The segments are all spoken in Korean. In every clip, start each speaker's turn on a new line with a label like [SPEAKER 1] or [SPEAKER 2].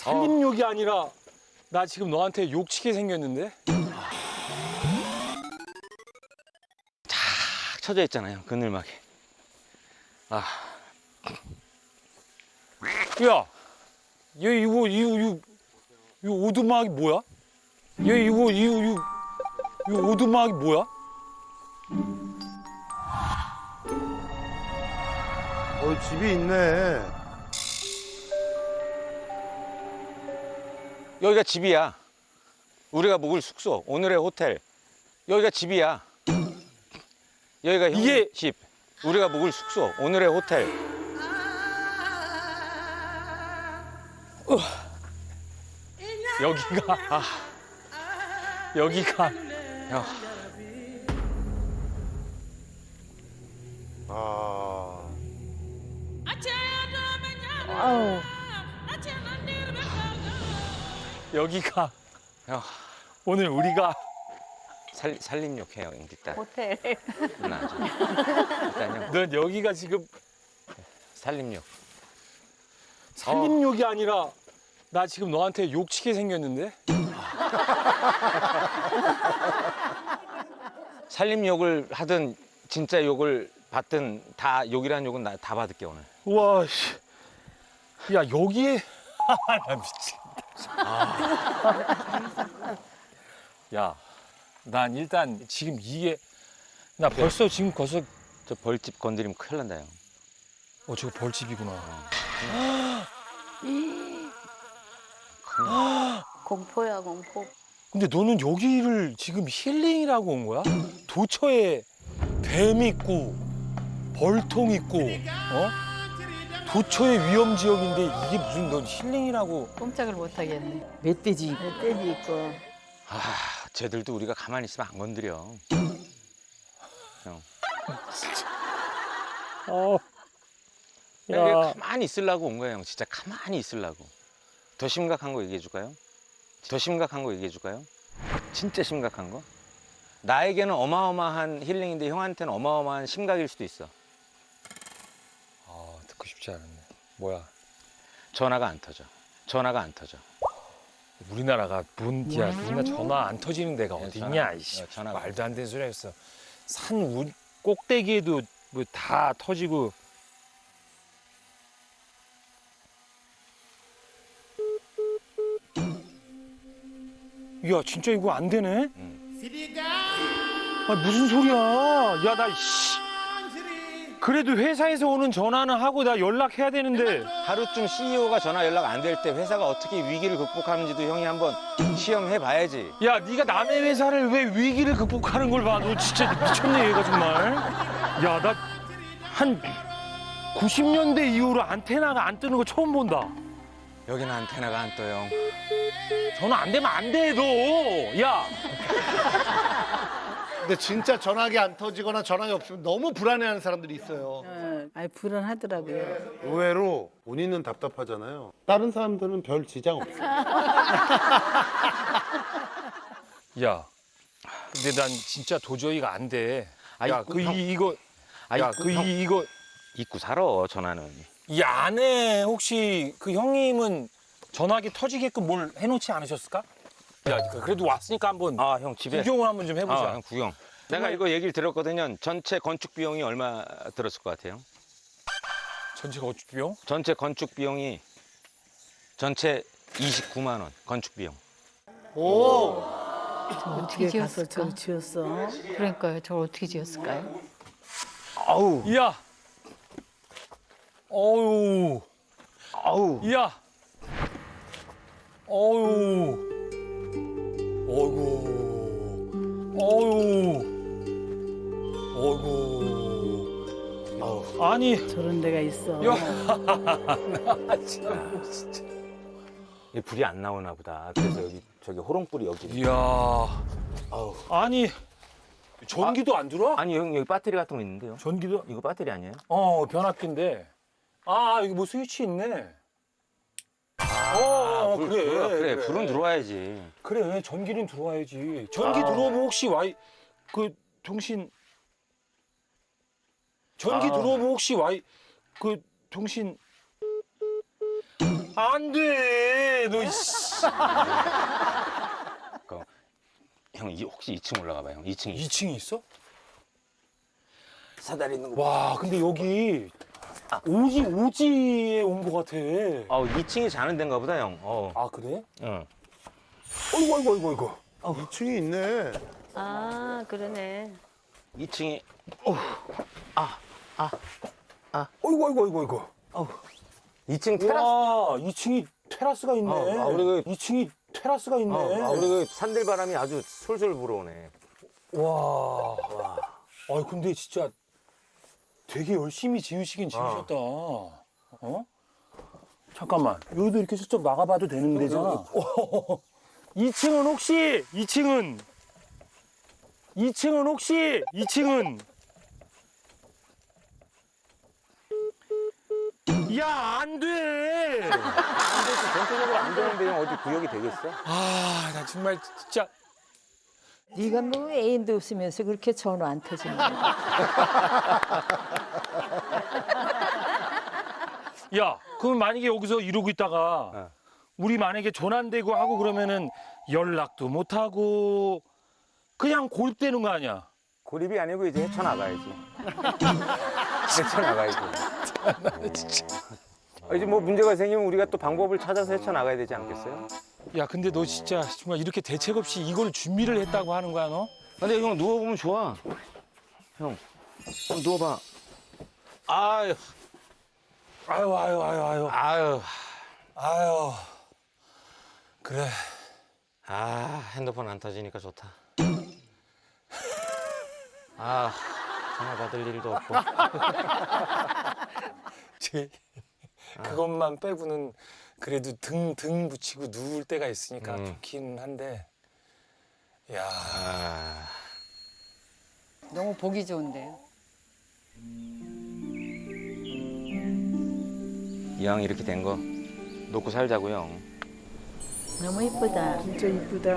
[SPEAKER 1] 살림욕이 아니라 나 지금 너한테 욕치게 생겼는데?
[SPEAKER 2] 탁 쳐져 있잖아요, 그늘막에. 아,
[SPEAKER 1] 야, 얘 이거 오두막이 뭐야? 얘 이거 오두막이 뭐야?
[SPEAKER 3] 집이 있네.
[SPEAKER 2] 여기가 집이야. 우리가 묵을 숙소, 오늘의 호텔. 여기가 집이야. 여기가 형님
[SPEAKER 1] 이게-
[SPEAKER 2] 집. 우리가 묵을 숙소, 오늘의 호텔.
[SPEAKER 1] 여기가
[SPEAKER 2] 야,
[SPEAKER 3] 아,
[SPEAKER 1] 여기가
[SPEAKER 2] 야,
[SPEAKER 1] 오늘 우리가
[SPEAKER 2] 살림욕 해요, 일단.
[SPEAKER 4] 호텔.
[SPEAKER 2] 일단요,
[SPEAKER 1] 넌 여기가 지금
[SPEAKER 2] 살림욕.
[SPEAKER 1] 살림욕이 아니라 나 지금 너한테 욕치게 생겼는데?
[SPEAKER 2] 살림욕을 하든 진짜 욕을 받든 다 욕이란 욕은 나 다 받을게 오늘.
[SPEAKER 1] 와, 씨. 야, 여기에 나 미치겠다. 야, 난 일단 지금 이게 나 벌써 지금 벌써
[SPEAKER 2] 저 벌집 건드리면 큰일 난다요.
[SPEAKER 1] 저거 벌집이구나.
[SPEAKER 4] 공포야, 공포.
[SPEAKER 1] 근데 너는 여기를 지금 힐링이라고 온 거야? 도처에 뱀 있고 벌통 있고 도처의 위험 지역인데 이게 무슨 넌 힐링이라고?
[SPEAKER 4] 꼼짝을 못 하겠네.
[SPEAKER 5] 멧돼지.
[SPEAKER 4] 멧돼지 있고.
[SPEAKER 2] 아, 쟤들도 우리가 가만히 있으면 안 건드려. 형. 이게
[SPEAKER 1] 야,
[SPEAKER 2] 가만히 있으려고 온 거예요, 형. 진짜 가만히 있으려고. 더 심각한 거 얘기해 줄까요? 더 심각한 거 얘기해 줄까요? 진짜 심각한 거? 나에게는 어마어마한 힐링인데 형한테는 어마어마한 심각일 수도 있어.
[SPEAKER 1] 듣고 싶지 않았네. 뭐야?
[SPEAKER 2] 전화가 안 터져. 전화가 안 터져.
[SPEAKER 1] 우리나라가 뭔야? 우리나라 전화 안 터지는 데가 어디
[SPEAKER 2] 전화-
[SPEAKER 1] 있냐? 이씨,
[SPEAKER 2] 전화가
[SPEAKER 1] 말도 안 되는 소리 했어. 산 꼭대기에도 뭐 다 터지고. 야, 진짜 이거 안 되네? 아, 무슨 소리야? 야, 나 씨. 그래도 회사에서 오는 전화는 하고 나 연락해야 되는데.
[SPEAKER 2] 하루쯤 CEO가 전화 연락 안 될 때 회사가 어떻게 위기를 극복하는지도 형이 한번 시험해 봐야지.
[SPEAKER 1] 야, 네가 남의 회사를 왜 위기를 극복하는 걸 봐? 너 진짜 미쳤네, 얘가 정말. 야, 나 한 90년대 이후로 안테나가 안 뜨는 거 처음 본다.
[SPEAKER 2] 여기는 안테나가 안 떠, 형.
[SPEAKER 1] 전화 안 되면 안 돼, 너. 야,
[SPEAKER 3] 근데 진짜 전화기 안 터지거나 전화기 없으면 너무 불안해하는 사람들이 있어요.
[SPEAKER 4] 아니, 불안하더라고요.
[SPEAKER 3] 의외로 본인은 답답하잖아요. 다른 사람들은 별 지장 없어요.
[SPEAKER 1] 야. 근데 난 진짜 도저히가 안 돼. 야,
[SPEAKER 2] 아이,
[SPEAKER 1] 그
[SPEAKER 2] 형.
[SPEAKER 1] 이거,
[SPEAKER 2] 아이,
[SPEAKER 1] 야, 그
[SPEAKER 2] 형.
[SPEAKER 1] 이거
[SPEAKER 2] 잊고 살아, 전화는.
[SPEAKER 1] 이 안에 혹시 그 형님은 전화기 터지게끔 뭘 해놓지 않으셨을까? 야, 그래도 왔으니까 한번
[SPEAKER 2] 아, 형 집에.
[SPEAKER 1] 구경을 한번 좀 해보자.
[SPEAKER 2] 아, 형 구경. 내가 이거 얘기를 들었거든요. 전체 건축 비용이 얼마 들었을 것 같아요?
[SPEAKER 1] 전체 건축 비용?
[SPEAKER 2] 전체 건축 비용이 전체 29만 원. 건축 비용.
[SPEAKER 3] 오,
[SPEAKER 4] 어떻게 가서
[SPEAKER 5] 지었을까?
[SPEAKER 4] 저를 지었어?
[SPEAKER 5] 그러니까요. 저걸 어떻게 지었을까요?
[SPEAKER 2] 아우,
[SPEAKER 1] 야, 어유,
[SPEAKER 2] 아우.
[SPEAKER 1] 야, 어유, 어이구, 어유, 어이구. 아니,
[SPEAKER 4] 저런 데가 있어.
[SPEAKER 1] 야, 나 진짜.
[SPEAKER 2] 이 불이 안 나오나 보다. 그래서 여기 저기 호롱불이 여기.
[SPEAKER 1] 이야,
[SPEAKER 2] 아우.
[SPEAKER 1] 아니, 전기도 안 들어와?
[SPEAKER 2] 아니 형 여기 배터리 같은 거 있는데요.
[SPEAKER 1] 전기도?
[SPEAKER 2] 이거 배터리 아니에요?
[SPEAKER 1] 변압기인데. 여기 뭐 스위치 있네.
[SPEAKER 2] 그래. 불은 들어와야지.
[SPEAKER 1] 그래, 전기는 들어와야지. 전기 들어오면 혹시 통신. 전기 들어오면 혹시 통신. 안 돼. 너 씨.
[SPEAKER 2] 형, 혹시 2층 올라가 봐요. 형, 2층.
[SPEAKER 1] 2층이 있어?
[SPEAKER 2] 사다리 있는 거.
[SPEAKER 1] 와, 근데 여기 오지에 온 것 같아.
[SPEAKER 2] 2층이 자는 데인가 보다, 형.
[SPEAKER 1] 아, 그래?
[SPEAKER 2] 응.
[SPEAKER 1] 어이구.
[SPEAKER 3] 2층이 있네.
[SPEAKER 5] 아, 그러네.
[SPEAKER 2] 2층이
[SPEAKER 1] 어이구.
[SPEAKER 2] 2층 테라스.
[SPEAKER 1] 와, 2층이 테라스가 있네.
[SPEAKER 2] 우리
[SPEAKER 1] 2층이 테라스가 있네.
[SPEAKER 2] 우리 그 산들바람이 아주 솔솔 불어오네.
[SPEAKER 1] 와. 아니, 근데 진짜 되게 열심히 지으시긴 지으셨다. 어? 잠깐만. 여기도 이렇게 슬쩍 나가봐도 되는 데잖아. 2층은 혹시 2층은 야, 안 돼.
[SPEAKER 2] 전체적으로 안 되는데 형 어디 구역이 되겠어?
[SPEAKER 1] 아, 나 정말 진짜
[SPEAKER 6] 네가 뭐 애인도 없으면서 그렇게 전화 안 터지는 거야.
[SPEAKER 1] 야, 그럼 만약에 여기서 이러고 있다가
[SPEAKER 2] 어.
[SPEAKER 1] 우리 만약에 전환되고 하고 그러면은 연락도 못 하고 그냥 고립되는 거 아니야?
[SPEAKER 2] 고립이 아니고 이제 헤쳐나가야지. 헤쳐나가야지. 이제 뭐 문제가 생기면 우리가 또 방법을 찾아서 헤쳐나가야 되지 않겠어요?
[SPEAKER 1] 야, 근데 너 진짜 정말 이렇게 대책 없이 이걸 준비를 했다고 하는 거야, 너?
[SPEAKER 2] 근데 형 누워보면 좋아. 형, 누워봐. 아유,
[SPEAKER 1] 아유. 그래.
[SPEAKER 2] 핸드폰 안 터지니까 좋다. 전화 받을 일도 없고.
[SPEAKER 1] 그것만 빼고는 그래도 등 붙이고 누울 때가 있으니까
[SPEAKER 2] 음.
[SPEAKER 1] 좋긴 한데. 야.
[SPEAKER 5] 너무 보기 좋은데요.
[SPEAKER 2] 이왕 이렇게 된 거 놓고 살자고요.
[SPEAKER 6] 너무 이쁘다.
[SPEAKER 4] 진짜 이쁘다.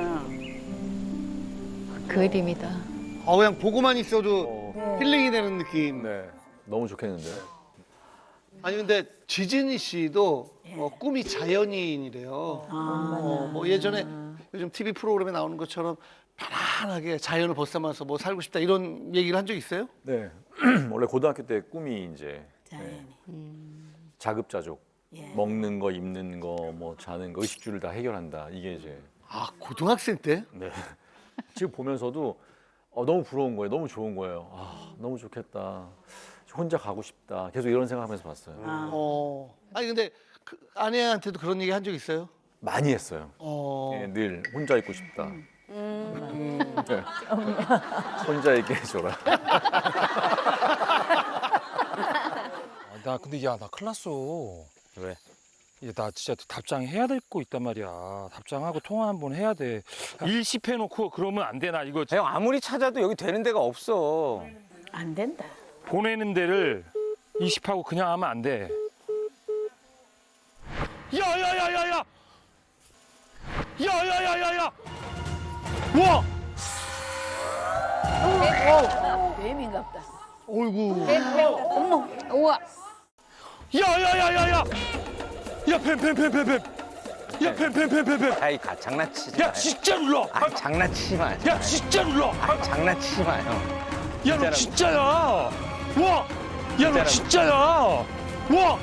[SPEAKER 5] 그림이다.
[SPEAKER 7] 그냥 보고만 있어도 힐링이 되는 느낌.
[SPEAKER 8] 네, 너무 좋겠는데요.
[SPEAKER 7] 아니 근데 지진이 씨도 꿈이 자연인이래요. 뭐 예전에 요즘 TV 프로그램에 나오는 것처럼 편안하게 자연을 벗삼아서 뭐 살고 싶다 이런 얘기를 한 적 있어요?
[SPEAKER 8] 네, 원래 고등학교 때 꿈이 이제
[SPEAKER 4] 자연이.
[SPEAKER 8] 자급자족,
[SPEAKER 4] 예.
[SPEAKER 8] 먹는 거, 입는 거, 뭐 자는 거, 의식주를 다 해결한다. 이게 이제
[SPEAKER 7] 아 고등학생 때?
[SPEAKER 8] 네. 지금 보면서도 너무 부러운 거예요. 너무 좋은 거예요. 너무 좋겠다. 혼자 가고 싶다. 계속 이런 생각하면서 봤어요.
[SPEAKER 7] 아니 근데 그 아내한테도 그런 얘기 한 적 있어요?
[SPEAKER 8] 많이 했어요. 예, 늘 혼자 있고 싶다. 네. 혼자 있게 해줘라.
[SPEAKER 1] 나 근데 야, 나 큰일 났어.
[SPEAKER 2] 왜?
[SPEAKER 1] 야, 나 진짜 답장해야 될 거 있단 말이야. 답장하고 통화 한번 해야 돼. 일시해놓고 그러면 안 되나 이거.
[SPEAKER 2] 형 아무리 찾아도 여기 되는 데가 없어.
[SPEAKER 4] 안 된다.
[SPEAKER 1] 보내는 데를 이식하고 그냥 하면 안 돼. 야야야야야! 야야야야야! 와!
[SPEAKER 4] 뱀인가 보다.
[SPEAKER 7] 어이구.
[SPEAKER 5] 어머, 우와.
[SPEAKER 1] 야야야야야! 야, 뱀! 야, 뱀!
[SPEAKER 2] 아이 장난치지 마.
[SPEAKER 1] 야, 진짜 눌러!
[SPEAKER 2] 장난치지 마.
[SPEAKER 1] 야, 진짜 눌러!
[SPEAKER 2] 장난치지 마 형.
[SPEAKER 1] 야, 너 진짜야! 와! 야, 너 진짜야! 와!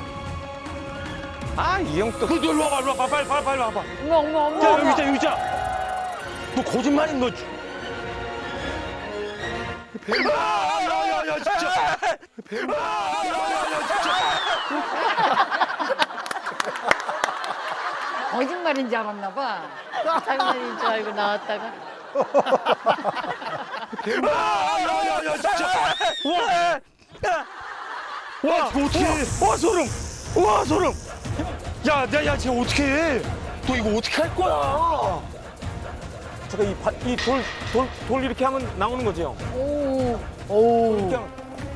[SPEAKER 2] 이 형 또.
[SPEAKER 1] 너 일로 와봐, 빨리 와봐.
[SPEAKER 5] 어머.
[SPEAKER 1] 야, 여기 있자. 너 거짓말인 거. 야, 진짜.
[SPEAKER 5] 거짓말인 줄 알았나 봐. 장난인 줄 알고 나왔다가.
[SPEAKER 1] 야, 진짜. 와, 어떻게? 와, 소름. 야, 쟤 어떻게 해? 너 이거 어떻게 할 거야?
[SPEAKER 2] 잠깐 돌 이렇게 하면 나오는 거지 형.
[SPEAKER 5] 오.
[SPEAKER 2] 이렇게 하면.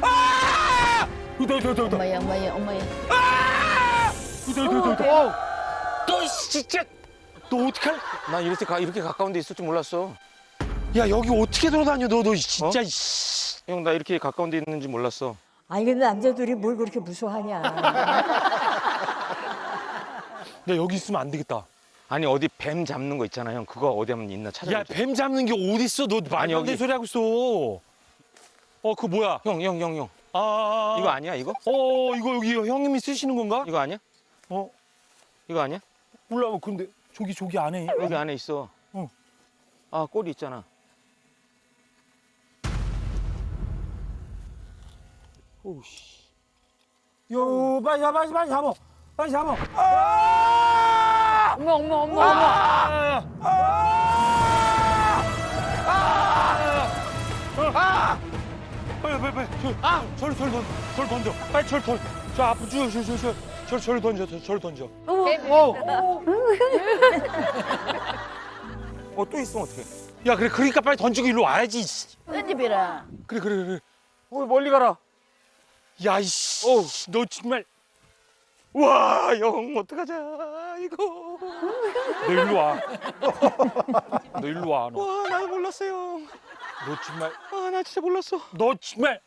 [SPEAKER 1] 이다.
[SPEAKER 5] 엄마야.
[SPEAKER 1] 너 진짜. 너 어떻게 할?
[SPEAKER 2] 나 이렇게 가까운 데 있을 줄 몰랐어.
[SPEAKER 1] 야, 여기 어떻게 돌아다녀? 너 진짜. 씨.
[SPEAKER 2] 형 나 이렇게 가까운 데 있는지 몰랐어.
[SPEAKER 6] 아니 근데 남자들이 뭘 그렇게 무서워하냐.
[SPEAKER 1] 나 여기 있으면 안 되겠다.
[SPEAKER 2] 아니 어디 뱀 잡는 거 있잖아요. 형 그거 어디 한번 있나 찾아보자.
[SPEAKER 1] 야, 뱀 잡는 게 어딨어? 너
[SPEAKER 2] 아니,
[SPEAKER 1] 말도 안 되는
[SPEAKER 2] 여기.
[SPEAKER 1] 소리 하고 있어. 그거 뭐야?
[SPEAKER 2] 형. 이거 아니야 이거?
[SPEAKER 1] 이거 여기 형님이 쓰시는 건가?
[SPEAKER 2] 이거 아니야?
[SPEAKER 1] 어,
[SPEAKER 2] 이거 아니야?
[SPEAKER 1] 몰라. 근데 저기 안에.
[SPEAKER 2] 여기 안에 있어.
[SPEAKER 1] 어.
[SPEAKER 2] 아 꼬리 있잖아.
[SPEAKER 1] 오씨. 요, 빨리 잡아. 빨리 잡아.
[SPEAKER 5] 어머 어머 어머 어머.
[SPEAKER 1] 빨리. 저리 던져. 빨리 저리 던져. 저 앞으로 저리 던져.
[SPEAKER 2] 또 있으면 어떡해?
[SPEAKER 1] 야, 그러니까 빨리 던지고 일로 와야지.
[SPEAKER 4] 던집이라.
[SPEAKER 1] 그래.
[SPEAKER 2] 멀리 가라.
[SPEAKER 1] 야, 이씨. 너 정말.
[SPEAKER 2] 와, 형 어떡하자 이거.
[SPEAKER 1] 너 일로 와. 너 일로 와. 너.
[SPEAKER 2] 와, 나 몰랐어요.
[SPEAKER 1] 너 정말.
[SPEAKER 2] 아, 나 진짜 몰랐어.
[SPEAKER 1] 너 정말.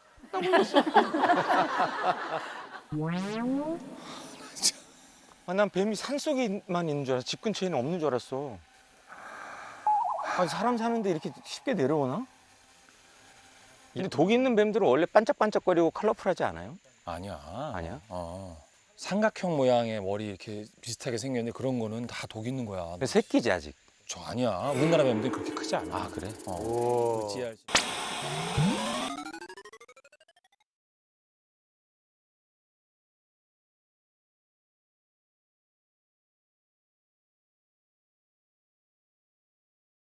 [SPEAKER 2] 난 뱀이 산 속에만 있는 줄 알았어. 집 근처에는 없는 줄 알았어. 아니, 사람 사는데 이렇게 쉽게 내려오나? 근데 독 있는 뱀들은 원래 반짝반짝거리고 컬러풀하지 않아요?
[SPEAKER 1] 아니야.
[SPEAKER 2] 아니야?
[SPEAKER 1] 삼각형 모양의 머리 이렇게 비슷하게 생겼는데 그런 거는 다 독 있는 거야.
[SPEAKER 2] 근데 새끼지 아직.
[SPEAKER 1] 저 아니야. 우리나라 뱀들은 그렇게 크지 않아.
[SPEAKER 2] 아 그래?
[SPEAKER 1] 어찌 알지.